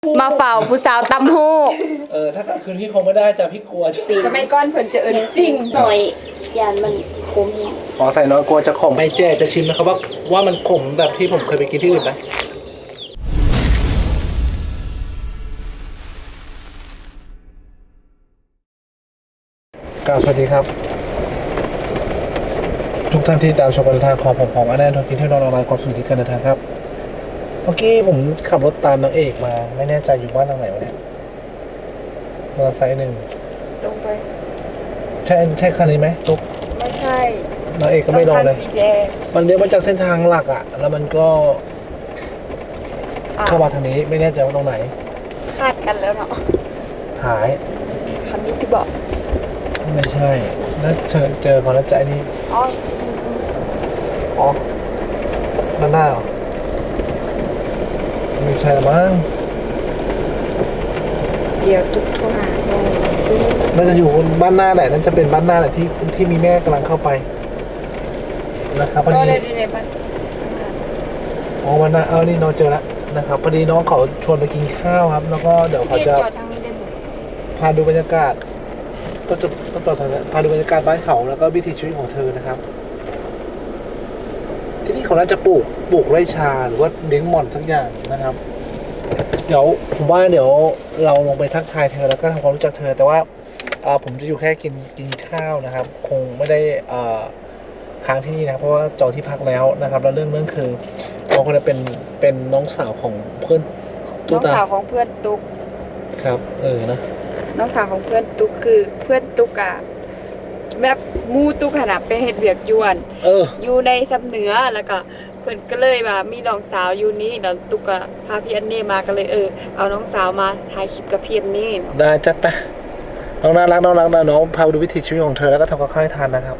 มาเฝ้าผู้สาวตำหูกถ้ากลางคืนพี่คงไม่ได้จ้ะพี่กลัวจะสมัยก่อนเพิ่นจะเอิ้นซิ่งหน่อยยานมันจะคมเองขอใส่น้อยกลัวจะขมไปเจ๊จะชิมนะครับว่ามันขมแบบที่ผมเคยไปกินที่อื่นไหมกล่าวสวัสดีครับทุกท่านที่ตามชมการเดินทางของผมอันแน่นอนกินเที่ยวนอนออนไลน์ความสุขที่การเดินทางครับเมื่อกี้ผมขับรถตามนางเอกมาไม่แน่ใจอยู่บ้านทางไหนวะเนี่ยมอเตอร์ไซค์หนึ่งตรงไปใช่คันนี้ไหมตุ๊กไม่ใช่นางเอกก็ไม่ลงเลยสีแดงมันเลี้ยวมาจากเส้นทางหลักอ่ะแล้วมันก็เข้ามาทางนี้ไม่แน่ใจว่าตรงไหนคาดกันแล้วเนาะหายคันนี้ที่บอกไม่ใช่น่าเจอเขาแล้วใจนี่อ๋ออ๋อด้านหน้าเหรอไม่ใช่ละมั้งเดี๋ยวตุ๊กโทรหาโน่น่าจะอยู่บ้านหน้าแหละน่าจะเป็นบ้านหน้าแหละที่มีแม่กำลังเข้าไปนะครับพอก็ดีได้ในบ้านอ๋อวันหน้านี่น้องเจอแล้วนะครับพอดีน้องเขาชวนไปกินข้าวครับ แล้วก็เดี๋ยวเขาพี่จะจอดทางนี้ได้บ่พาดูบรรยากาศต้องต่อทางนี้พาดูบรรยากาศบ้านเขาแล้วก็วิถีชีวิตของเธอนะครับ ที่นี่เขาน่าจะปลูกไร่ชาหรือว่าเลี้ยงหม่อนสักอย่างนะครับ เดี๋ยวผมว่าเดี๋ยวเราลงไปทักทายเธอแล้วก็ทำความรู้จักเธอ แต่ว่าผมจะอยู่แค่กินข้าวนะครับ คงไม่ได้ค้างที่นี่นะเพราะว่าจองที่พักแล้วนะครับแล้วเรื่องคือน้องคนนี้เป็นน้องสาวของเพื่อนน้องสาวของเพื่อนตุ๊กครับนะน้องสาวของเพื่อนตุ๊กคือเพื่อนตุ๊กอะแบบมูตุ๊กขนาดไปเฮ็ดเวียกยวนอยู่ในซับเหนือแล้วก็เพิ่นก็เลยว่ามีน้องสาวอยู่นี่แล้วตุ๊กก็พาพี่อันนี่มาก็เลยเอาน้องสาวมาถ่ายคลิปกับพี่อันนี่เนาะได้จัดไปน้องน่ารักน้องพาไปดูวิถีชีวิตของเธอแล้วก็ทำกับข้าวให้ทานนะครับ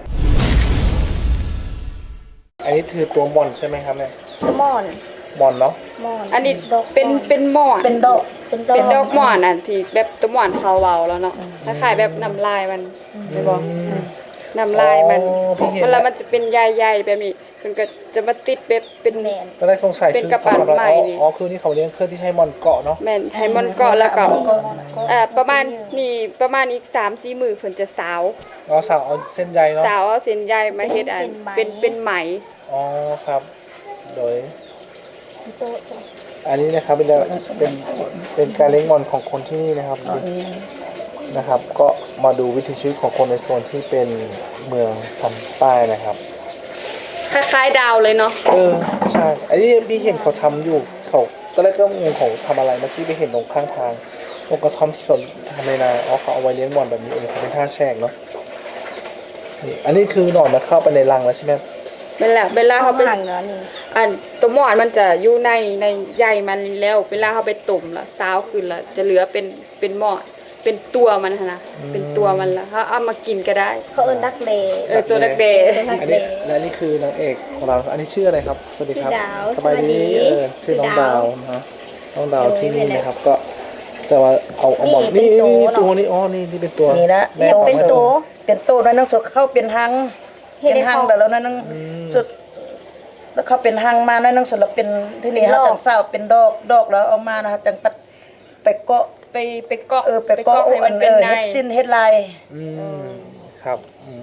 อันนี้คือตัวหม่อนใช่ไหมครับเนี่ยมอนหม่อนเนาะมอนอันนี้เป็นหมอนเป็นดอกเป็นดอกหมอนอ่ะที่แบบตัวหมอนเขาเว้าแล้วเนาะคล้ายๆแบบน้ำลายมันไม่บอกน้ำลายมันเวลามันจะเป็นใหญ่ๆแบบนี้มันก็จะมาติดแบบเป็นแมนก็ได้สงสัยเป็นกระป๋องใหม่นี่คือนี่เขาเลี้ยงเครื่องที่ให้หม่อนเกาะเนาะแม่นให้มันเกาะแล้วก็ประมาณอีก 3-4 มื้อเพิ่นจะสาวสาวเอาเส้นใยเนาะสาวเอาเส้นใยมาเฮ็ดอันเป็นไหมอ๋อครับ โดยโต๊ะอันนี้นะครับเป็นการเลี้ยงหม่อนของคนที่นี่นะครับ ก็มาดูวิถีชีวิตของคนในโซนที่เป็นเมืองซัมใต้นะครับคล้ายๆดาวเลยเนาะใช่อันนี้พี่เห็นเขาทำอยู่เขาตอนแรกก็งงเขาทำอะไรเมื่อกี้ไปเห็นตรงข้างทางตรงกระท่อมที่เขาทำในนาเขาเอาไว้เลี้ยงหม่อนแบบนี้เขาเป็นท่าแช่งเนาะนี่อันนี้คือหนอนมาเข้าไปในรังแล้วใช่ไหมเวลาเขาไปห่างเนาะนี่อันตัวหมอนมันจะอยู่ในใยมันแล้วเวลาเขาไปต้มละสาวขึ้นละจะเหลือเป็นหมอนเป็นตัวมันนะเป็นตัวมันละเขาเอามากินก็ได้เขาเอิ้นดักเลตัวเด็กอันนี้และนี่คือนางเอกของเราอันนี้ชื่ออะไรครับสวัสดีครับสบายดีชื่อน้องดาวนะน้องดาวที่นี่นะครับก็จะมาเอาหมอนนี่ตัวนี้นี่เป็นตัวนี่ละแม่เป็นโตเป็นตู้แล้วนั่งสดเข้าเป็นหังเฮ็ดเป็นให้หังเขาแล้วนั่งสุดแล้วเขาเป็นหังมานั่งสดแล้วเป็นที่นี่ฮะจังเศร้าเป็นดอกแล้วเอามานะคะจังปัดไปเกาะไปเกาะไปเกาะให้มันเป็นในเฮ็ดสิ้นเฮ็ดลายครับ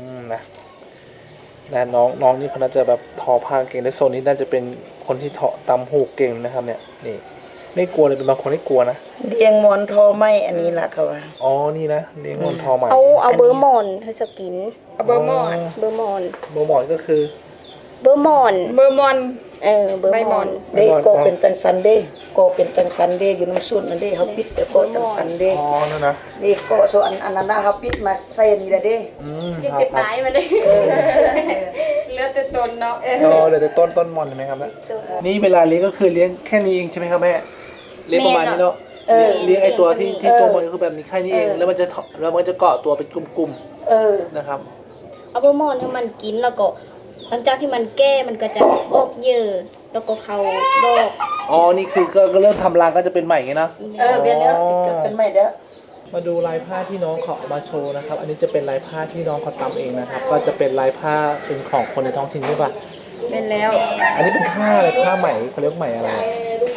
นะน้องนี่เขาน่าจะแบบทอผ้าเก่งในโซนนี้น่าจะเป็นคนที่ทอตำหูกเก่งนะครับเนี่ยนี่ไม่กลัวเลยเป็นบางคนไม่กลัวนะเรียงหมอนทอไม้อันนี้ล่ะเขาว่าอ๋อนี่นะเลี้ยงหมอนทอใหม่เอาเบอร์มอนให้สกินเอาเบอร์มอนเบอร์มอนโมหมอนก็คือเบอร์มอนเบอร์มอนเบอร์ใบมมออน นเด้ก็เป็นจังสันเด้ก็เป็นจังสันเด้อยู่น้ำสุดนั่นเด้เขาปิดแต่ก็จังสันเด้อ๋อนั่นนะนี่ก็โซอันนั้นนะเขาปิดมาใส่อันนี้ละเด้ยังเจ็บหลายมาได้เหลือแต่ต้นเนาะเดี๋ยวต้นหมอนใช่ไหมครับนี่เวลาเลี้ยงก็คือเลี้ยงแค่นี้เองใช่ไหมครับแม่เลี้ยงประมาณนี้เนาะเลี้ยงไอตัวที่ตัวมันก็คือแบบนี้แค่นี้เองแล้วมันจะเกาะตัวเป็นกลุ่มๆนะครับเอาเบอร์มอนให้มันกินแล้วก็หลังจากที่มันแก้มันก็จะออกเยอะแล้วก็เข้าดอกอ๋อนี่คือก็เริ่มทำรังก็จะเป็นใหม่ไงนะเบียนแล้วเป็นใหม่เด้อมาดูลายผ้าที่น้องเขาเอามาโชว์นะครับ อันนี้จะเป็นลายผ้าที่น้องเขาทำเองนะครับ ก็จะเป็นลายผ้าเป็นของคนในท้องถิ่นใช่ปะเป็นแล้วอันนี้เป็นผ้าอะไรผ้าไหมเขาเรียกไหมอะไรผ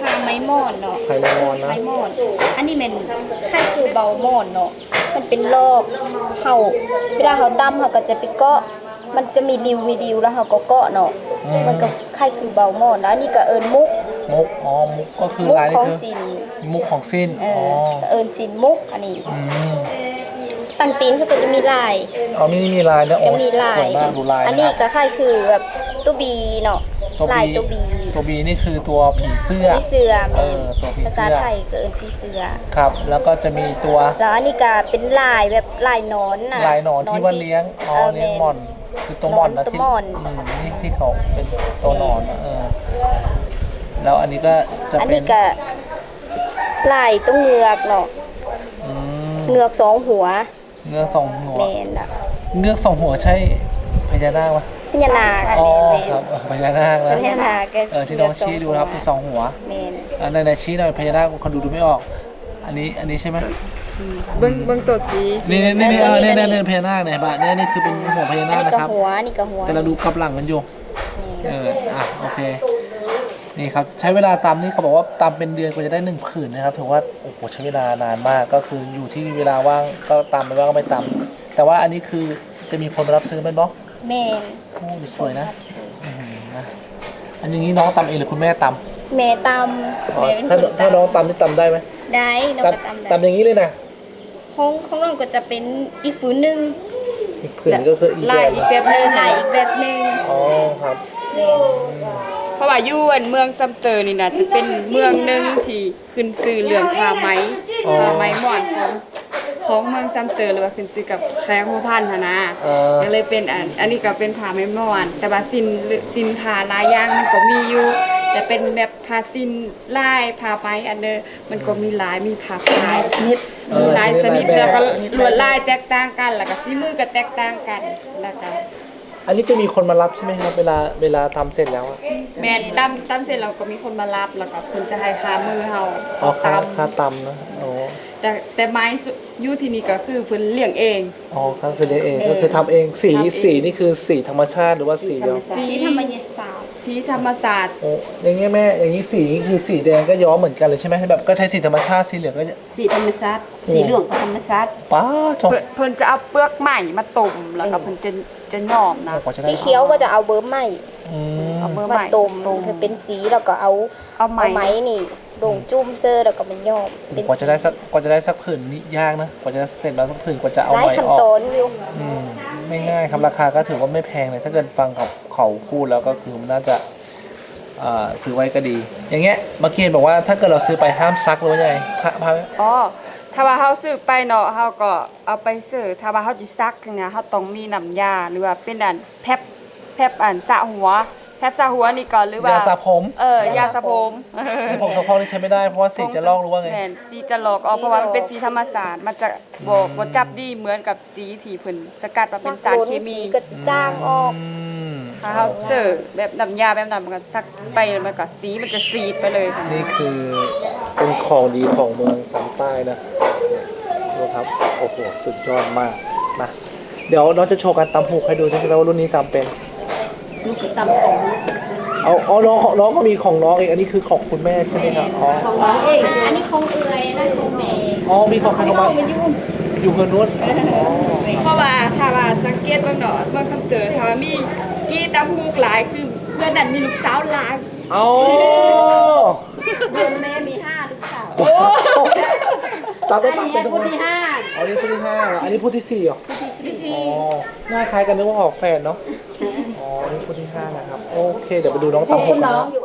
ผ้าไม้ม่อนเนาะไข่แมงมอนนะไม้ม่อนอันนี้มันไข่คือเบาม่อนเนาะมันเป็นลอกเฮาเวลาเฮาตำเฮาก็จะไปเกาะมันจะมีริวแล้วเฮาก็เกาะเนาะมันก็ไข่คือเบาม่อนแล้วอันนี่ก็เอิ้นมุกมุกอ๋อมุกก็คือมุกลายขนี่องคือสินมุกของสิ้นเออ๋ออเอิ้นสินมุกอันนี้อืมตังตีนเขาก็จะมีลายเอานี่มีลายนะโอ้จะมีลายสวยมากดูลายอันนี้ะครับก็ไข่คือแบบตัวบีเนาะตัวลายบีตัวบีตัวบีนี่คือตัวผีเสื้อผีเสือเอแม่อตัวผีภาเสื้ษาอไทยก็เอิ้นผีเสือครับ แล้วก็จะมีตัวแล้วอันนี้ก็เป็นลายแบบลายหนอนน่ะลายหนอนที่ว่าเลี้ยงอ๋อเลี้ยงหม่อนคือตัวหม่อนนะตัวที่หม่อนนี่ที่เขาเป็นตัวหนอนนะแล้วอันนี้ก็จะอันเป็นี้นก็ลายตัวเงือกเนาะอืมเงือกสองหัวเงือกสองหัวแม่นน่ะเงือกสองหัวใช่พญานาคปะพญานาคอ๋อแม่นครับพญานาคพนะญานาคก็ที่น้องชี้ดูนะครับคือสองหัวแม่นในชี้หน่อยพญานาคคนดูไม่ออก อันนี้ใช่ไหมเบิ่งตัวสีนี่พญานาคเนี่ยบ้านี่คือเป็นหัวพญาอันนาคนี้นะก็ครับหัวอันนี้ก็หัวแต่เราดูกลับหลังกันอยู่โอเคนี่ครับใช้เวลาตำนี่เขาบอกว่าตำเป็นเดือนกว่าจะได้1 ผืนนะครับถือว่าโอ้โหใช้เวลานานมากก็คืออยู่ที่เวลาว่างก็ตำไม่ว่างก็ไม่ตำแต่ว่าอันนี้คือจะมีคนมารับซื้อเป็นบล็อกแม่นโอ้สวยนะนะอันอย่างนี้น้องตำเองหรือคุณแม่ตำแม่ตำแม่เป็นคนถ้าน้องตำนี่ตำได้ไหมได้น้องก็ตำได้ตำอย่างนี้เลยนะของน้องก็จะเป็นอีกฝืนหนึงอีกผืนก็คืออีกลายอีกแบบหนึงลายอีกแบบหนึงอ๋อครับแม่นเพราะว่าอยู่อันเมืองซัมเตอร์นี่น่ะจะเป็นเมืองหนึงที่ขึ้นชื่อเรื่องผ้าไหมม่อนของเมืองซัมเตอร์หรือว่าขึ้นชื่อกับแคร์หัวพันธุ์หั้นนะ ก็เลยเป็นอันนี้ก็เป็นผ้าไหมม่อนแต่ว่าสินผ้าลายอย่างมันก็มีอยู่ แต่เป็นแบบผ้าสินลายผ้าไหมอันเดอร์มันก็มีหลายมีผ้าหลายชนิดมีหลายชนิดแล้วก็ลวดลายแตกต่างกันแล้วก็สีมือก็แตกต่างกันแล้วก็อันนี้จะมีคนมารับใช่ไหมครับเวลาทำเสร็จแล้วอะแม่นตำเสร็จเราก็มีคนมารับแล้วก็เพิ่นจะให้ค่ามือเฮาอ๋อค่าตำค่าตำนะอ๋อแต่ไม้อยู่ที่นี่ก็คือเพิ่นเลี้ยงเองอ๋อครับคือเลี้ยงเองก็คือทำเองสีนี่คือสีธรรมชาติหรือว่าสีเดียวสีธรรมศาสตร์ที่ธรรมศาสตร์โอ้อย่างเงี้ยแม่อย่างนี้สีคือสีแดงก็ย้อมเหมือนกันเลยใช่ไหมแบบก็ใช้สีธรรมชาติสีเหลืองก็สีธรรมชาติสีเหลืองกับธรรมชาติป้าจบเพิ่นจะเอาเปลือกไม้มาต้มแล้วก็เพิ่นจะย้อมนะกว่าจะได้สีเขียวก็จะเอาเบอร์ไหมอืมเอาเบอร์มาไม้ต้มให้เป็นสีแล้วก็เอาเอาไม้ไหมนี่ลงจุ่มเซอร์แล้วก็มันย้อมเป็นกว่าจะได้สักผืนนี่ยากนะกว่าจะเสร็จแล้วสักผืนกว่าจะเอาหลายไหมขั้นออกตอนอยู่ไม่ง่ายครับราคาก็ถือว่าไม่แพงเลยถ้าเกิดฟังเขาพูดแล้วก็คือมันน่าจะซื้อไว้ก็ดี อย่างเงี้ยเมื่อกี้บอกว่าถ้าเกิดเราซื้อไปห้ามซักหรือว่ายังไงพระอ๋อถ้าว่าเฮาซื้อไปเนาะเฮาก็เอาไปซื้อถ้าว่าเฮาสิซักเนี่ยเฮาต้องมีน้ำยาหรือว่าเป็นอันแพบอันสระหัวแพบสระหัวนี่ก่อนหรือว่ายาสระผมยาสระผมไอ้ผมสะโพกนี่ใช้ไม่ได้เพราะว่าสีจะลอกหรือว่าไงแม่นสีจะลอกออกเพราะว่ามันเป็นสีธรรมศาสตร์มันจะบ่จับดีเหมือนกับสีที่เพิ่นสกัดมาเป็นสารเคมีสีก็จะจ้างออกถ้าเฮาซื้อแบบน้ำยาแบบนั้นมันก็ซักไปมันก็สีมันจะสีดไปเลยค่ะนี่คือเป็นของดีของเมืองสันใต้นะดูครับโอ้โหสุดยอดมากนะเดี๋ยวน้องจะโชว์การตำหูกให้ดูใช่ไหมว่ารุ่นนี้ตำเป็นลูกตำของเอาน้องก็มีของน้องเองอันนี้คือของคุณแม่ใช่ไหมครับอ๋อของน้องเองอันนี้ของเอื้อยนั่นของแม่อ๋อมีของใครของมันอยู่เงินนู้นอ๋อเพราะว่าถ้าว่าสังเกตเบิ่งเนาะเบิ่งซ้ํเจอถ้าว่ามีกี่ตำฮูกหลายคือเพื่อนนั้นมีลูกสาวหลายเอาเดือนแม่มี5ลูกสาวตามอัต้องนตามนี้เป็นผู้ที่ห้าอันนี้ผู้ที่5เหรออันนี้ผู้ที่4เหรออ๋อหน้าคล้ายกันนึกว่าออกแฟนเนาะอ๋ออันนี้ผู้ที่5นะครับโอเคเดี๋ยวไปดูน้องตำหกกันน้องนะอยู่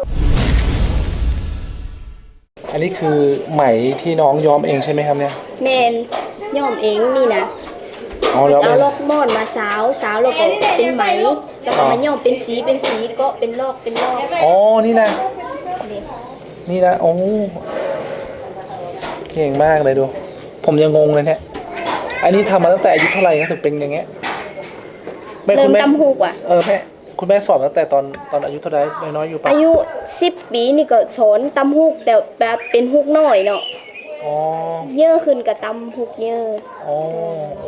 อันนี้คือไหมที่น้องย้อมเองใช่ไหมครับเนี่ยแม่นย้อมเองนี่นะอ๋อแล้วเอาเป็นลอกม่อนมาสาวแล้วก็เป็นไหมแล้วก็มาย้อมเป็นสีก็เป็นลอกอ๋อนี่นะนี่นี่นะโอ้เก่งมากเลยดู ผมยังงงเลยเนี่ยอันนี้ทำมาตั้งแต่อายุเท่าไหร่ครับถึงเป็นอย่างเงี้ยแม่เริ่คุมณแม่ตำฮูกว่ะแม่คุณแม่สอนตั้งแต่ตอนอายุเท่าไหร่น้อยๆอยู่ปะอายุ10ปีนี่ก็สอนตำฮูกแต่แบบเป็นฮูกน้อยเนาะอ๋อเยอะขึ้นกับตำฮูกเยอะอ๋อโอ้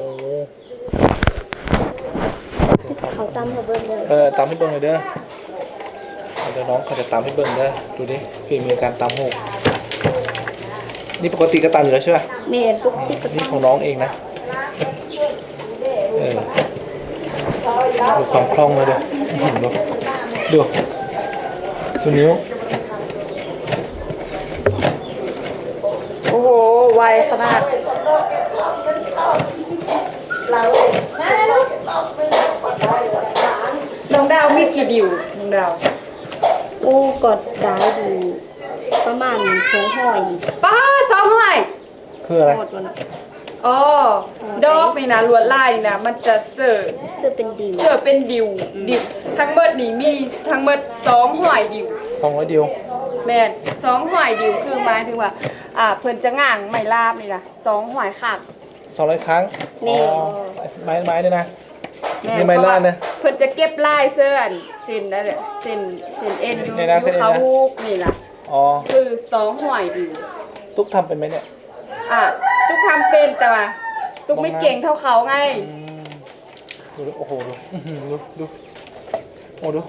เขาตำเขาเบิ่งเลยตามให้เบิ่งเลยเด้อเดี๋ยวน้องเขาจะตำให้เบิ่งเด้อดูดิฝีมือการตำโหกนี่ปกติก็ตำอยู่แล้วใช่ป่ะแม่นปกติก็นี่ของน้องเองนะดูความคล่องเลยดูดูนิ้วโอ้โหไวขนาดน้องดาวมีกี่ดิวน้องดาวโอ้กดได้อยู่ประมาณ200 ป้า200 คืออะไรหมดแล้วนะอ๋อดอกนี่นะลวดลายนี่นะมันจะเสิร์ฟเสื้อเป็นดิวเสิร์ฟเป็นดิวทั้งเบิดนี่มีทั้งเบิด200ดิว 200เดียวแม่น200ดิวคือหมายถึงว่าเพิ่นจะง่างไม่ลาบนี่นะ200คัก 200 ครั้งอ๋อไม้เนี่ยนะแม่นี่ไม้ลาดนะเพิ่นจะเก็บลายเสื้อเส้นนั่นแหละเส้นเอ็นอยู่ในนะเส้นเอ็นนะเขาฮูกนี่ล่ะอ๋อคือ200ดิวตุ๊กทำเป็นไหมเนี่ยทุกทำเป็นแต่ว่าทุกไม่เก่งเท่าเขาไงดูโอ้โหดูโอ้ดู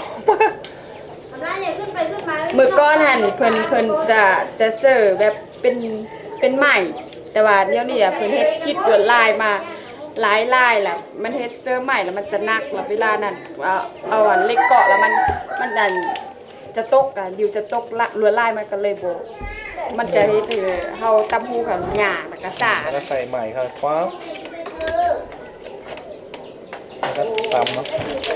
มือก้อนหันเพิ่นจะเสิร์ฟแบบเป็นใหม่ แต่ว่าเดี๋ยวนี้เพิ่นเฮ็ดคิดลวดลายมาหลายลายแหละมันเฮ็ดเสื้อใหม่แล้วมันจะหนักแล้วเวลานั้นเอาอันเล็กเกาะแล้วมันดันจะตกดิวจะตกลวดลายมันก็เลยโบมันจะเฮ็ดให้เฮาตำหูกับหญ้าแล้วก็สาแล้วก็ใส่ใหม่ครับฟ้าแล้วก็ตำเนาะ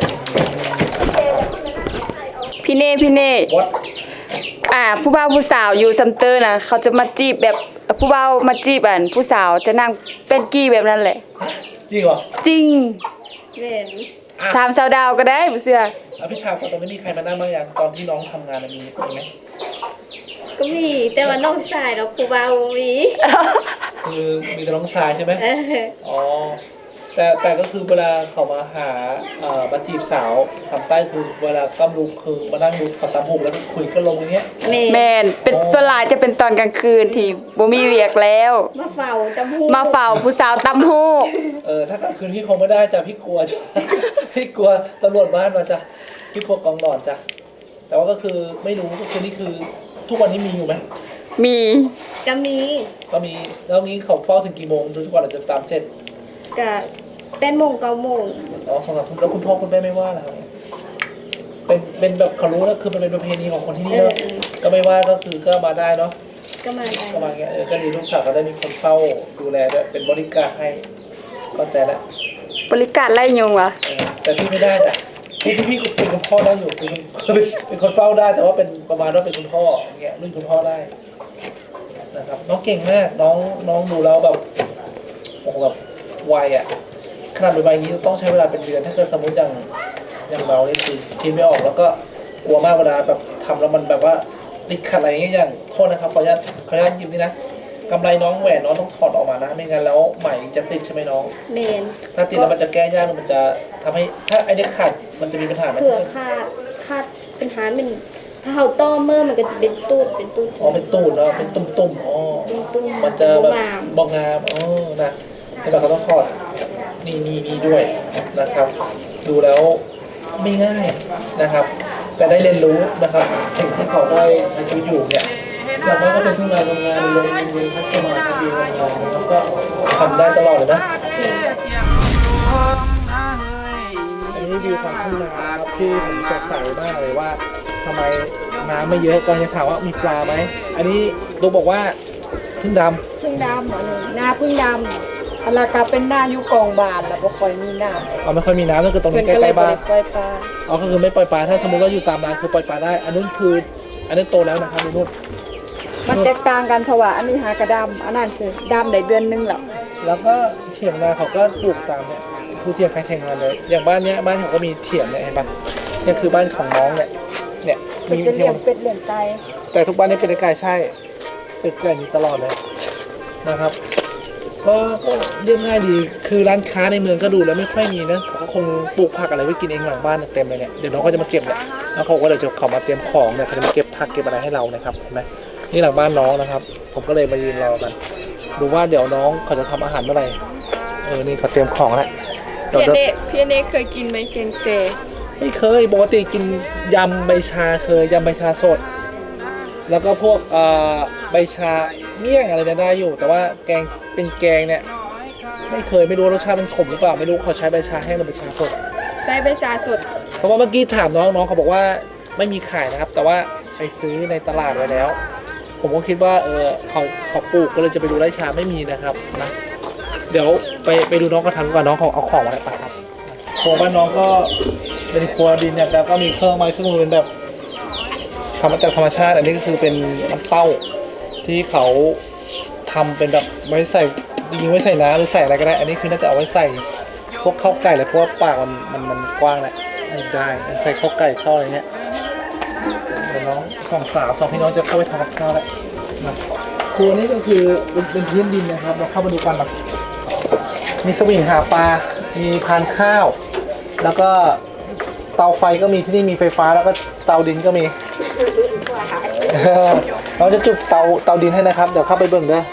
พี่เน่วัดผู้บ่าวผู้สาวอยู่ซัมเตอร์นะเขาจะมาจีบแบบผู้บ่าวมาจีบผู้สาวจะนั่งเป็นกี้แบบนั้นแหละจริงเหรอจริงแม่นถามสาวดาวก็ได้บ่เชื่อพี่ถามก่อนตอนนี้มีใครมานั่งบ้างยังตอนที่น้องทำงานมีไหมก็มีแต่ว่าน้องชายเราผู้เบามีคือมีแต่น้องชายใช่ไหมเอออ๋อแต่ก็คือเวลาเขามาหามาจีบสาวสามใต้คือเวลากำลุกคือมานั่งดูขับตามหุบแล้วก็คุยกันลงอย่างเงี้ยแม่นเป็นส่วนหลายจะเป็นตอนกลางคืนที่บ่มีเวียกแล้วมาเฝ้าตำหูมาเฝ้าผู้สาวตำฮูกถ้ากลางคืนพี่คงไม่ได้จ้ะพี่กลัวจ้ะ พี่กลัวตำรวจบ้านมาจ้ะพี่พวกกองนอนจ้ะแต่ว่าก็คือไม่รู้ก็คือนี่คือทุกวันนี้มีอยู่ไหมมีก็มีก็มีแล้วงี้เขาเฝ้าถึงกี่โมงทุกวันอาจจะตามเสร็จก็8 โมง 9 โมงอ๋อ2-3 ทุ่มแล้วคุณพ่อคุณแม่ไม่ว่าเหรอครับเป็นแบบเขารู้นะคือมันเป็นประเพณีของคนที่นี่เนาะก็ไม่ว่าก็คือก็มาได้เนาะก็มาได้ก็มาอย่างเงี้ยก็ดีลูกสาวก็ได้มีคนเฝ้าดูแลด้วยเป็นบริการให้เข้าใจแล้วบริการไล่ยุงวะแต่พี่ไม่ได้จ้ะพี่เป็นคุณพ่อได้อยู่เป็นคนเฝ้าได้แต่ว่าเป็นประมาณว่าเป็นคุณพ่ออย่างเงี้ยรุ่นคุณพ่อได้นะครับน้องเก่งมากน้องดูแล้วแบบโอ้โหแบบไวอ่ะขนาดเป็นวัยนี้ต้องใช้เวลาเป็นเดือนถ้าเกิดสมมติอย่างเราเนี่ยคือคิดไม่ออกแล้วก็กลัวมากเวลาแบบทำแล้วมันแบบว่าติดขัดอะไรอย่างเงี้ยอย่างโทษนะครับขออนุญาตหยิบนี่นะกำไรน้องแหวนน้องต้องถอดออกมานะไม่งั้นแล้วไหมจะติดใช่ไหมน้องแมนถ้าติดแล้วมันจะแก้ยากมันจะทำให้ถ้าไอ้เนี่ยขาดมันจะมีปัญหาไหมเผื่อคาดเป็นหารเป็นถ้าเฮาต้อเมื่อมันก็จะเป็นตูดอ๋อเป็นตูดเนาะเป็นตุ่มๆอ๋อตุ้มมันจะแบบงามบองงามอ๋อนะให้เราก็ต้องถอดนี่ด้วยนะครับ ดูแล้วไม่ง่ายนะครับ แต่ได้เรียนรู้นะครับ สิ่งที่เขาได้ใช้ชีวิตอยู่เนี่ยอย่างน้อยก็เป็นผู้งานทำงานในโรงเรียนพัฒนาดีงานแล้วก็ทำได้ตลอดเลยนะอันนี้วิวของทุ่งนาครับที่ผมสงสัยมากเลยว่าทำไมน้ำไม่เยอะก็จะถามว่ามีปลาไหมอันนี้ลูกบอกว่าพึ่งดำพึ่งดำหน้าพึ่งดำอันละกาเป็นหน้าอยู่กองบานแล้วบ่ค่อยมีน้ำอ๋อไม่ค่อยมีน้ำก็คือตรงเพิ่นี้นใกก็เลยล้ๆบ่บ้านได้ปล่อยปลาอ๋อก็คือไม่ปล่อยปลาถ้าสมมติว่าอยู่ตามร้านคือปล่อยปลาได้ อันนู้นคืออันนี้โตแล้วนะครับนุ่นมันแตกต่างกันเพราะว่าอันนี้หากระดำอันนั้นคือดำได้เดือนนึงแล้วแล้วก็เถียงนาเขาก็ปลูกตามเนี่ยผู้เถียงใครแข่งงานเลยอย่างบ้านเนี้ยบ้านเขาก็มีเถียงเนี่ยเห็นปะเนี่ยคือบ้านของน้องเนี่ยเพิ่นมีจะเถีเลี้ยยงงเป็ดเลี้ยงไก่แต่ทุกบ้านนี่เป็นไก่ใช่เป็นไก่นี้ตลอดเลยนะครับก็เรียบง่ายดีคือร้านค้าในเมืองก็ดูแล้วไม่ค่อยมีนะเขาก็คงปลูกผักอะไรไว้กินเองหลังบ้านเต็มเลยเนี่ยเดี๋ยวน้องก็จะมาเก็บเนี่ยแล้วเขาก็เดี๋ยวจะเขามาเตรียมของเนี่ยเขาจะมาเก็บผักเก็บอะไรให้เรานะครับเห็นไหมนี่หลังบ้านน้องนะครับ ผมก็เลยมายืนรอกันดูว่าเดี๋ยวน้องเขาจะทำอาหารเมื่อไหร่นี่เขาเตรียมของแล้วเดี๋ยวพี่เนเคยกินไหมแกงเจไม่เคยปกติกินยำใบชาเคยยำใบชาสด แล้วก็พวกใบชาเมี่ยงอะไรเนี่ยได้อยู่ แต่ว่าแกงเป็นแกงเนี่ยไม่เคยไม่รู้รสชาติมันขมหรือเปล่าไม่รู้เขาใช้ใบชาแห้งหรือใบชาสดใส่ใบชาสดเพราะว่าเมื่อกี้ถามน้องเขาบอกว่าไม่มีขายนะครับ แต่ว่าไปซื้อในตลาดไว้แล้ว ผมก็คิดว่าเขาปลูกก็เลยจะไปดูไร่ชาไม่มีนะครับนะเดี๋ยวไปดูน้องก็ทำก่อนน้องเขาเอาของมาอะไรไปครับครัวบ้านน้องก็เป็นครัวดินเนี่ยแล้วก็มีเครื่องไม้เครื่องมือเป็นแบบทำมาจากธรรมชาติ อันนี้ก็คือเป็นน้ำเต้าที่เขาทำเป็นแบบไว้ใส่จริงๆไว้ใส่น้ำหรือใส่อะไรก็ได้ อันนี้คือน่าจะเอาไว้ใส่พวกข้าวไก่เลยเพราะว่าปากมันกว้างแหละได้ใส่ข้าวไก่ข้าวอะไรเงี้ยเดี๋ยวน้องสองพี่น้องจะเข้าไปทำกับข้าวแล้วนะครัวนี้ก็คือเป็นพื้นดินนะครับเราเข้ามาดูกันแบบมีสวิงหาปลา มีพานข้าว แล้วก็เตาไฟก็มีที่นี่มีไฟฟ้าแล้วก็เตาดินก็มี เราจะจุดเตาดินให้นะครับเดี๋ยวเข้าไปเบิ่งเด้อ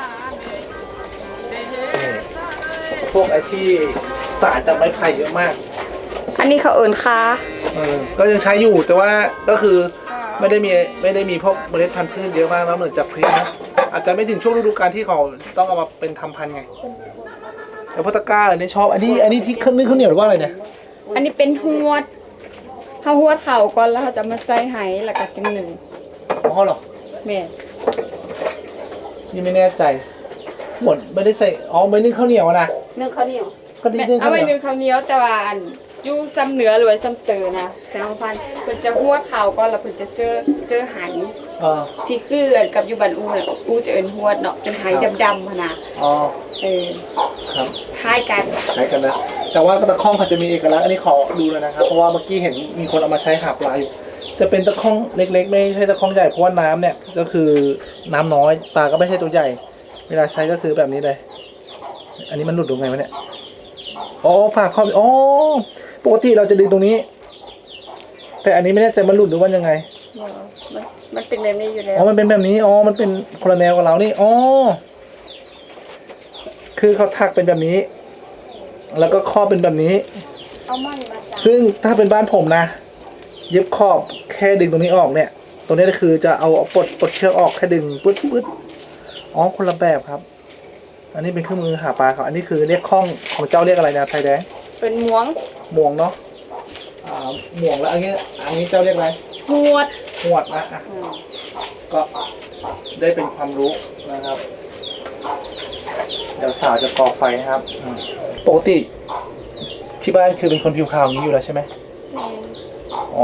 พวกไอ้ที่สารจากไม้ไผ่เยอะมากอันนี้เขาเอิญคาก็ยังใช้อยู่แต่ว่าก็คือไม่ได้มีพวกเมล็ดพันธุ์พืชเยอะมากนะเหมือนจากพริกนะอาจจะไม่ถึงช่วงฤดูกาลที่เขาต้องเอามาเป็นทำพันธุ์ไงแต่พวกตะกร้าอันนี้ชอบอันนี้ที่นึ่งข้าวเหนียวหรือว่าอะไรเนี่ยอันนี้เป็นหวดเขาหวดเข่าก่อนแล้วเขาจะมาใส่ไหแล้วก็จังหนึ่งอ๋อเหรอแม่นี่ไม่แน่ใจหมดไม่ได้ใส่อ๋อไม่นึ่งข้าวเหนียวนะนึ่งข้าวเหนียวก็ดีนึ่งเอาข้าวเหไว้นียวหนึ่งข้าวเหนียวแต่ว่าอันอยู่ซ้ำเหนือหรือว่าซ้ำเตอนะแต่ของพันเพิ่นจะหวดเข่าก่อนแล้วเพิ่นจะเสื้อไหเออที่คือกับอยู่บ้านอูน่ะอูจะเอิ้นหวดเนาะเป็นไหดำๆหั่นน่ะอ๋อ ครับคล้ายกันใช้กันนะแต่ว่าตะข้องเขาจะมีเอกลักษณ์อันนี้ขอดูเลยนะครับเพราะว่าเมื่อกี้เห็นมีคนเอามาใช้หาปลาอยู่จะเป็นตะข้องเล็กๆ ไม่ใช่ตะข้องใหญ่เพราะว่าน้ำเนี่ยก็คือน้ำน้อยปลาก็ไม่ใช่ตัวใหญ่ เวลาใช้ก็คือแบบนี้เลย อันนี้มันหลุดตรงไงวะเนี่ยอ๋อฝากข้ออ๋อปกติเราจะดึงตรงนี้ แต่อันนี้ไม่แน่ใจมันหลุดหรือว่ายังไงมันเป็นแบบนี้อยู่แล้วอ๋อมันเป็นแบบนี้อ๋อมันเป็นคนละแนวกับเรานี่อ๋อคือเขาถักเป็นแบบนี้ แล้วก็ข้อเป็นแบบนี้เอามันมาใส่ซึ่งถ้าเป็นบ้านผมนะ เย็บขอบแค่ดึงตรงนี้ออกเนี่ย ตรงนี้ก็คือจะเอาปลดเชือกออกแค่ดึงปึ๊ดอ๋อคนละแบบครับ อันนี้เป็นเครื่องมือหาปลาครับอันนี้คือเรียกข้องของเจ้าเรียกอะไรนะไทยแดงเป็นหมวงหมวงเนาะหมวงแล้วอันนี้เจ้าเรียกอะไรหวดหวดนะอ่ะก็ได้เป็นความรู้นะครับ เดี๋ยวสาวจะก่อไฟครับปกติที่บ้านคือเป็นคนผิวขาวอย่างนี้อยู่แล้วใช่ไหมอ๋อ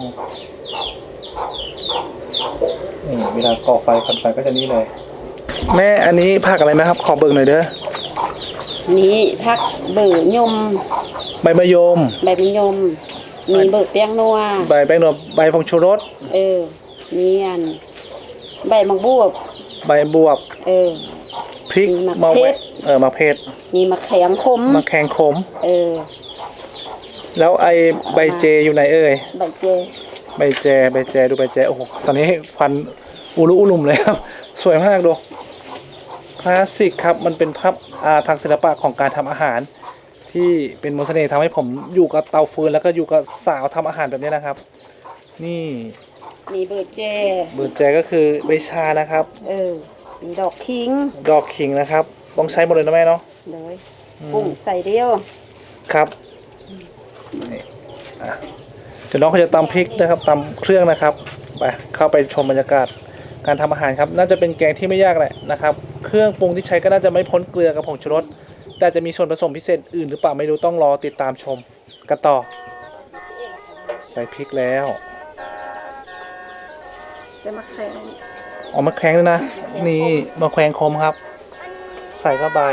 นี่เวลาก่อไฟควันไฟก็จะนี่เลย แม่อันนี้ผักอะไรนะครับ ขอเบิกหน่อยเด้อนี่พักเบื่อยมใบมะยมใบมะยม มีเบื่อเปียงนัวใบแป้งนวลใบผงชูรสมีอันใบมักบวบใบบวบ พริกมีมะเขือมะเขือมีมะแข็งคมมะแขงขมแล้วไอใบเจอยู่ไหนเอ่ยใบเจใบแจดูใบแจโอ้โหตอนนี้ควันอุลุอุลุมเลยครับ สวยมากดูคลาสสิกครับมันเป็นภาพทางศิลปะของการทำอาหาร ที่เป็นมนต์เสน่ห์ทำให้ผมอยู่กับเตาฟืนแล้วก็อยู่กับสาวทำอาหารแบบนี้นะครับ นี่มีเบื่อเจเบิร์ดแจก็คือใบชานะครับมีดอกคิงดอกขิงนะครับต้องใช้หมดเลยนะแม่เนาะเลยกุ้งใส่เดียวครับนี่เดี๋ยวน้องเขาจะตำพริกนะครับตำเครื่องนะครับไปเข้าไปชมบรรยากาศการทำอาหารครับน่าจะเป็นแกงที่ไม่ยากแหละนะครับเครื่องปรุงที่ใช้ก็น่าจะไม่พ้นเกลือกับผงชูรสแต่จะมีส่วนผสมพิเศษอื่นหรือเปล่าไม่รู้ต้องรอติดตามชมกันต่อใส่พริกแล้วจะมาแข่งออกมาแข็งเลยนะนี่มาแขวงคมครับ ใส่เข้าไป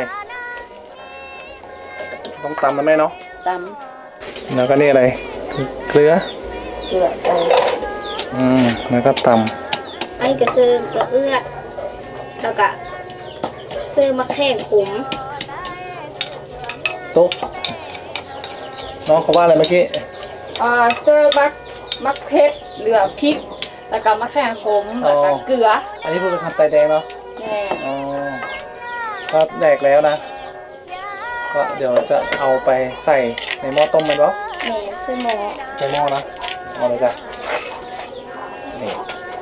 ต้องตำนะแม่เนาะตแล้วก็นี่อะไรเกลือำเกลือใส่แล้วก็ตอันนี้ก็ซื้อเกลือเอื้อแล้วก็ซื้อมะแข้งขมำตุ๊กน้องเขาว่าอะไรเมื่อกี้เซอร์มักเพชรเหลือพริก แล้วก็มะแขงขมแล้วก็เกลืออันนี้เพิ่งไปทำไตแดงเนาะแน่อ๋อก็แดกแล้วนะก็เดี๋ยวจะเอาไปใส่ในหม้อต้มมันวะแแม่นซื้อหมอใช้หม้อนะเอาเลยจ้ะนี่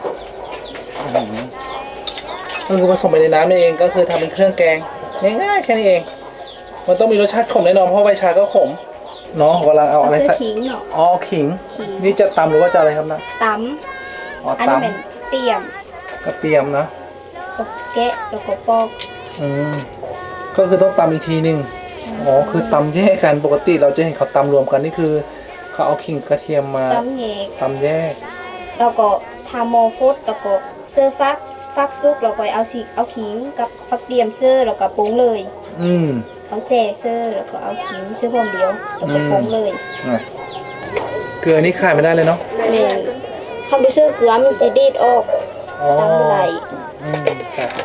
มันคือผสมไปในน้ำนี่เองก็คือทำเป็นเครื่องแกงง่ายๆแค่นี้เอง มันต้องมีรสชาติขมแน่นอนเพราะใบชาก็ขมเนาะกำลังเอาอะไรซื้อใส่ขิงเนาะอ๋อขิงขิงนี่จะตำหรือว่าจะอะไรครับนะตอ๋อำอันตนี้เป็นเตียมำกระเทียมนะก็แกะแล้วก็ปอกก็คือต้องตำอีกทีหนึ่งอ๋อคือตำแยกกันปกติเราจะเห็นเขาตำรวมกันนี่คือเขาเอาขิงกระเทียมมาตำแยกตำแยกแล้วก็ทาโมฟดแล้วก็เสื้อฟักซุกแล้วก็เอาขิงกับฟักเตียมเสื้อแล้วก็ปรุงเลยอืมเอาแจเสื้อแล้วก็เอาขิงเสื้อพร้อมเดียวแล้วก็ปรุงเลยอ่ะเกลือนี่ขาดไม่ได้เลยเนาะแม่นทำไปเสื้อเกลือมันจะดีดออกอ๋อตำไหลจ้ะ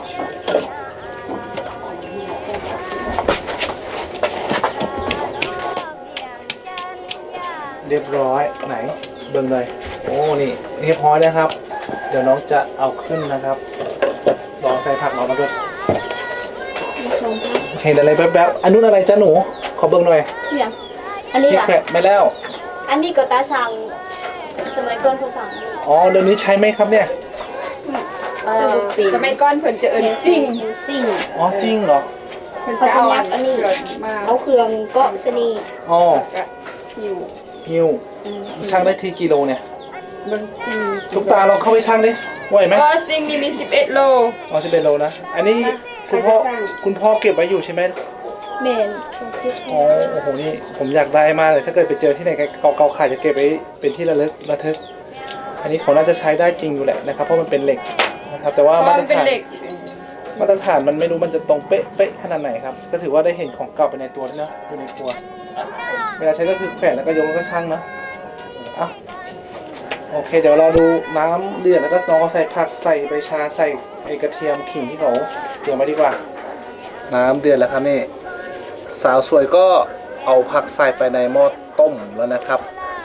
เรียบร้อยไหนเบิ่งเลยโอ้นี่เรียบร้อยนะครับ เดี๋ยวน้องจะเอาขึ้นนะครับลองใส่ผักน้องมาด้วยมาชมค่ะเห็นอะไรแป๊บๆอันนู้นอะไรจ้าหนูขอเบิ่งหน่อยเนี่ยอันนี้ที่อ่ะแขะไม่แล้วอันนี้ก็ตาสั่งสมัยก่อนเขาสั่งอยู่อ๋อเดี๋ยวนี้ใช้ไหมครับเนี่ยสมัยก่อนเพิ่นจะเอิ้นซิ่งซิ่งอ๋อซิ่งเหรอเพิ่นจะเอาอันนี้มาเอาเครื่องเกาะสนีอ๋อก็หิวหิ้วช่างได้ทีกิโลเนี่ยเบิ่งซิ่งทุกตาเราเข้าไปช่างดิไหวไหมก็ซิ่งนี่มี11โลอ๋อ11 โลนะ อันนี้คุณพ่อเก็บไว้อยู่ใช่ไหมเมนอ๋อ โอ้โห นี่ผมอยากได้มากเลย ถ้าเกิดไปเจอที่ไหนเก่าๆขายจะเก็บไว้เป็นที่ระทึก อันนี้เขาน่าจะใช้ได้จริงอยู่แหละนะครับ เพราะมันเป็นเหล็กนะครับ แต่ว่าเพราะมาตมัรนเป็นฐานเหล็กมาตรฐานมันไม่รู้มันจะตรงเป๊ะขนาดไหนครับ ก็ถือว่าได้เห็นของเก่าไปในตัวแล้วนะอยู่ในครัว เวลาใช้ก็คือแขวนแล้วก็ยกแล้วก็ชั่งนะอ่ะโอเค เดี๋ยวเราดูน้ำเดือดแล้วก็น้องเขาใส่ผักใส่ใบชาใส่ไอกระเทียมขิงที่เขาเตรียมไว้ดีกว่า น้ำเดือดแล้วครับนี่สาวสวยก็เอาผักใส่ไปในหม้อต้มแล้วนะครับ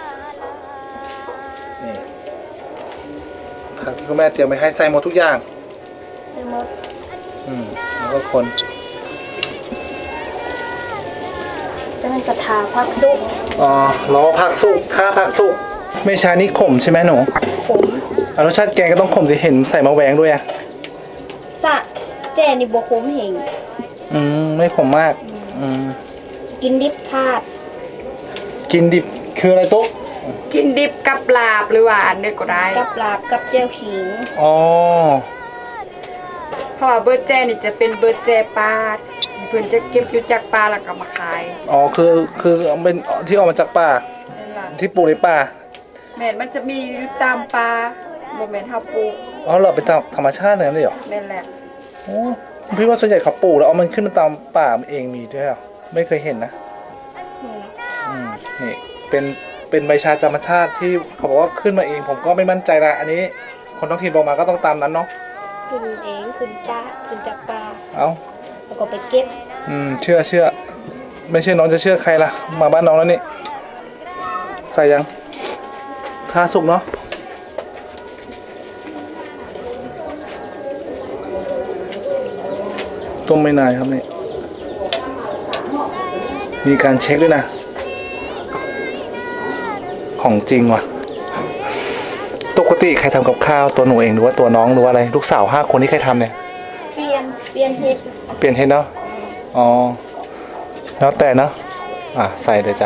นี่ผักที่คุณแม่เตรียมไว้ให้ใส่หมดทุกอย่างใช่หมดแล้วก็คนจะเป็นกระทาพักซุปอ๋อรอผักสุกข้าผักสุกไม่ใช่นี่ขมใช่ไหมหนูผมรสชาติแกงก็ต้องขมสิเห็นใส่มะแวงด้วยอ่ะสะแจนี่บวคมเหงไม่ขมมากกินดิบพลาดกินดิบคืออะไรตุ๊กกินดิบกับลาบหรือว่าอันเดียวก็ได้กับลาบกับเจียวขิงอ๋อเพราะว่าเบิร์ดแจนี่จะเป็นเบิร์ดแจปลาที่เพิ่นจะเก็บอยู่จากปลาแล้วก็มาขายอ๋อคือเป็นที่ออกมาจากป่านั่นล่ะที่ปลูกในป่าแม่นมันจะมีอยู่ตามปลาบ่แม่นเฮาปลูกอ๋อเหรอเป็นตามธรรมชาติเลยเหรอนั่นแหละโอ้พี่ว่าส่วนใหญ่เขาปลูกแล้วเอามันขึ้นมาตามป่าเองมีด้วยเหรอไม่เคยเห็นนะนี่เป็นใบชาธรรมชาติที่เขาบอกว่าขึ้นมาเองผมก็ไม่มั่นใจละอันนี้คนท้องถิ่นบอกมาก็ต้องตามนั้นเนาะขึ้นเองขึ้นป้าขึ้นจากปลาเอาแล้วก็ไปเก็บเชื่อไม่เชื่อน้องจะเชื่อใครล่ะมาบ้านน้องแล้วนี่ใส่ยังทาสุกเนาะต้มไม่นานครับนี่มีการเช็คด้วยนะของจริงว่ะปกติใครทำกับข้าวตัวหนูเองหรือว่าตัวน้องหรือว่าอะไรลูกสาว5 คนที่ใครทำเนี่ยเปลี่ยนเห็ดเปลี่ยนเทนเนาะอ๋อแล้วแต่เนาะใส่เลยจ้ะ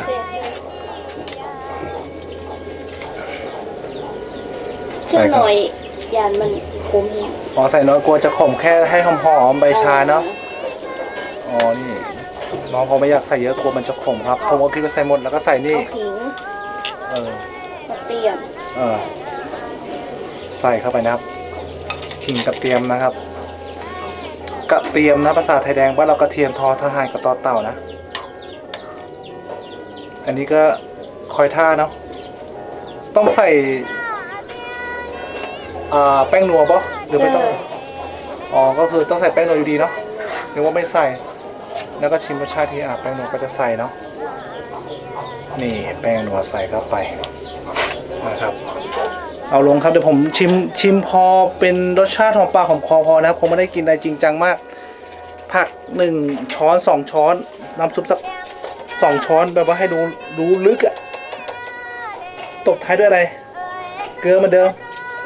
ชื่อหน่อยยานมันจะคมเองอ๋อใส่น้อยกลัวจะขมแค่ให้หอมๆใบชาเนาะอ๋อนี่น้องเขาไม่อยากใส่เยอะกลัวมันจะขมครับผมก็คิดว่าใส่หมดแล้วก็ใส่นี่เอาขิงเออมาเตรียมใส่เข้าไปนะครับขิงกระเทียมนะครับกระเทียมนะภาษาไทยแดงว่าเรากระเทียมทอทหารกับตอเต่านะอันนี้ก็คอยท่าเนาะต้องใส่แป้งนัวปะหรือไม่ต้องอ๋อก็คือต้องใส่แป้งนัวอยู่ดีเนาะหรือว่าไม่ใส่แล้วก็ชิมรสชาติที่แป้งนัวก็จะใส่เนาะนี่แป้งนัวใส่เข้าไปนะครับเอาลงครับเดี๋ยวผมชิมพอเป็นรสชาติหอมปากหอมคอพอนะครับผมไม่ได้กินอะไรจริงจังมากผัก1 ช้อน 2 ช้อนน้ำซุปสัก2 ช้อนแบบว่าให้ดูลึกอะตบท้ายด้วยอะไร เกลือเหมือนเดิม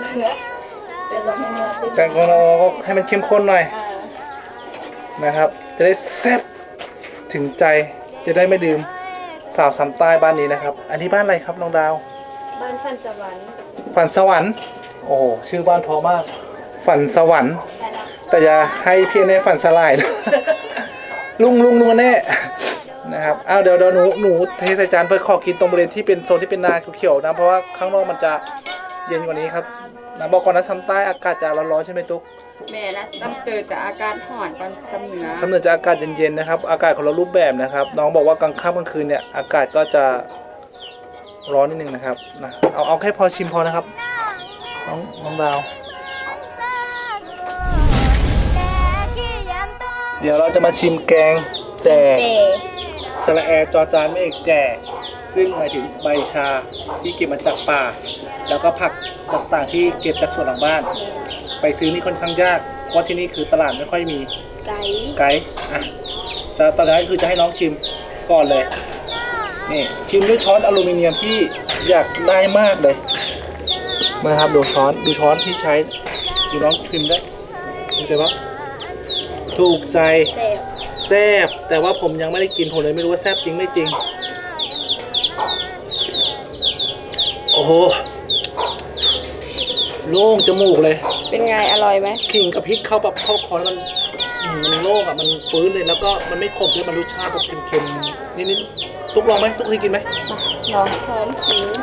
แต่ของเราก็ให้มันเข้มข้นหน่อยนะครับ จะได้แซ่บถึงใจจะได้ไม่ลืมสาวซ้ำใต้บ้านนี้นะครับ อันนี้บ้านอะไรครับน้องดาวบ้านฝันสวรรค์ฝันสวรรค์โอ้โหชื่อบ้านเพราะมาก ฝันสวรรค์แต่อย่าให้เพี้ยนในฝันสลายนะ ลุงแน่นะครับอ้าวเดี๋ยวหนูเทใส่จานเพื่อขอกินตรงบริเวณที่เป็นโซนที่เป็นนาเขียวๆนะเพราะว่าข้างนอกมันจะเย็นกว่านี้ครับนะบอกก่อนนะซ้ำใต้อากาศจะร้อนๆใช่ไหมตุ๊กแม่นะซ้ำเติมจากอาการห่อนตอนซ้ำเหนือซ้ำเหนือจะอากาศเย็นๆนะครับอากาศของเรารูปแบบนะครับน้องบอกว่ากลางค่ำกลางคืนเนี่ยอากาศก็จะร้อนนิดนึงนะครับนะเอาแค่พอชิมพอนะครับน้องดาว เดี๋ยวเราจะมาชิมแกงแจ่เจสระแอจอจานไม่เอกแจ่ซึ่งหมายถึงใบชาที่เก็บมาจากป่า แล้วก็ผักต่างๆที่เก็บจากสวนหลังบ้าน ไปซื้อนี่ค่อนข้างยากเพราะที่นี่คือตลาดไม่ค่อยมีไก่อ่ะตอนนี้คือจะให้น้องชิมก่อนเลยนี่ชิมด้วยช้อนอลูมิเนียมที่อยากได้มากเลยนะครับดูช้อนที่ใช้ดูน้องชิมได้ดูใจปะถูกใจเจ็บแซ่บแต่ว่าผมยังไม่ได้กินผมเลยไม่รู้ว่าแซ่บจริงไม่จริงโอ้โหโล่งจมูกเลยเป็นไงอร่อยไหมขิงกับพริกเข้าแบบเข้าคอแล้วมันโล่งอ่ะมันฟื้นเลยแล้วก็มันไม่ขมด้วยมันรสชาติแบบเค็มๆนิดๆตุ๊กลองไหมตุ๊กเคยกินไหมลองหอมขิง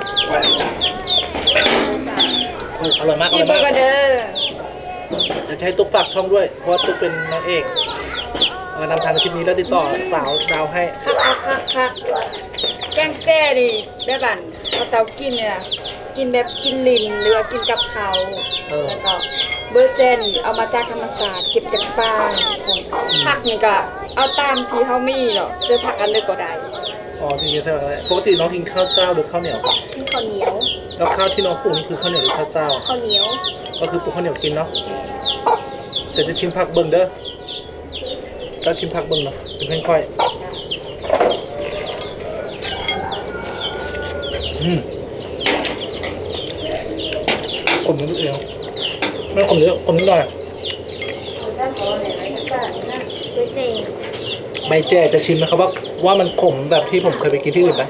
อร่อยมากชิมเบอร์กันเด้อจะให้ตุ๊กฝากช่องด้วยเพราะว่าตุ๊กเป็นนางเอกนำทางในคลิปนี้แล้วติดต่อสาวดาวให้ค่ะแกงแจ้ดิได้บั่นเอาเตากินเนี่ยกินแบบกินลิ้นหรือว่ากินกับเขาแล้วก็เบอร์เจนเอามาจากธรรมศาสตร์เก็บจากป่าผักนี่ก็เอาตามที่เขามีเนาะซื้อผักอันเล็กก็ได้อ๋อจริงๆใช่ไหมครับปกติน้องกินข้าวเจ้าหรือข้าวเหนียวมีข้าวเหนียวแล้วข้าวที่น้องปลูกนี่คือข้าวเหนียวหรือข้าวเจ้าข้าวเหนียวก็คือปลูกข้าวเหนียวกินเนาะจะชิมผักเบิ่งเด้อก็ชิมผักเบิ่งเนาะเป็นค่อยๆขมนิดเดียวไม่ขมเยอะขมนิดหน่อยเจใบแจ้จะชิมนะครับว่ามันขมแบบที่ผมเคยไปกินที่อื่นไหม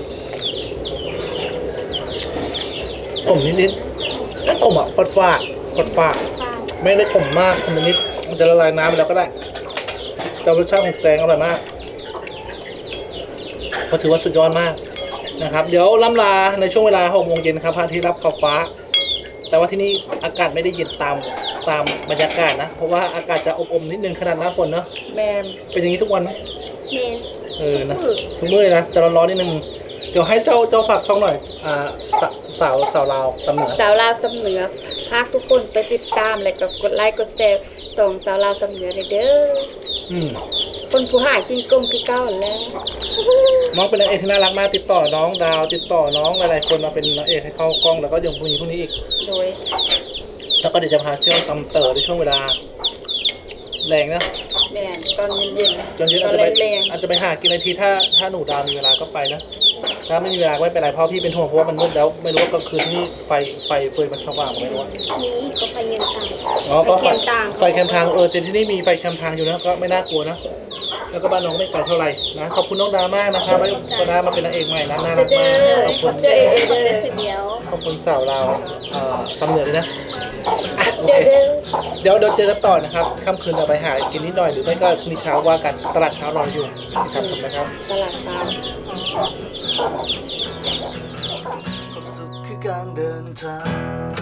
ขมนิดๆไม่ขมอ่ะฟาดไม่ได้ขมมากขมนิดมันจะละลายน้ำไปแล้วก็ได้แต่รสชาติของแกงอร่อยมากก็ถือว่าสุดยอดมากนะครับเดี๋ยวล่ำลาในช่วงเวลา 6 โมงเย็นครับพระอาทิตย์รับขอบฟ้าแต่ว่าที่นี่อากาศไม่ได้เย็นตามบรรยากาศนะเพราะว่าอากาศจะอบๆนิดนึงขนาดหน้าฝนเนาะแม่เป็นอย่างนี้ทุกวันไหมเมนนะทุกมื้อเลยนะจะร้อนๆนิดนึงเดี๋ยวให้เจ้าฝากช่องหน่อยสาวลาวสำเหนือสาวลาวสำเหนือพากทุกคนไปติดตามแล้วก็กดไลค์กดแชร์ส่งสาวลาวสำเหนือเลยเด้อคนผู้หายกินกลมคือเก้าแล้วน้องเป็นนางเอกที่น่ารักมากติดต่อน้องดาวติดต่อน้องหลายๆคนมาเป็นนางเอกให้เข้ากล้องแล้วก็ยังพรุ่งนี้อีกโดยแล้วก็เดี๋ยวจะพาเที่ยวตำเต๋อในช่วงเวลาแรงนะแม่ตอนเย็นจนเย็นตอนแรงอาจจะไปหากินในทีถ้าหนูดาวมีเวลาก็ไปนะถ้าไม่มีเวลาก็ไม่เป็นไรเพราะพี่เป็นห่วงเพราะว่ามันมืดแล้วไม่รู้ว่ากลางคืนที่ไฟเฟยมันสว่างไม่รู้ว่านี้ก็ไปเงินต่างอ๋อก็ไปแคมป์ต่างไฟแคมป์ทางเจนที่นี่มีไฟแคมป์ทางอยู่นะก็ไม่น่ากลัวนะแล้วก็บ้านน้องไม่ไกลเท่าไหร่นะขอบคุณน้องดามากนะครับก็ได้มาเป็นนางเอกใหม่นะน่ารักมากขอบคุณเจอเองเจอคนเดียวขอบคุณสาวเราสำเหนือเลยนะโอเคเดี๋ยวเจอกันต่อนะครับค่ำคืนเราไปหากินนิดหน่อยหรือไม่ก็พรุ่งนี้เช้าว่ากันตลาดเช้ารออยู่ชมนะครับตลาดเช้าความสุขคือการเดินทาง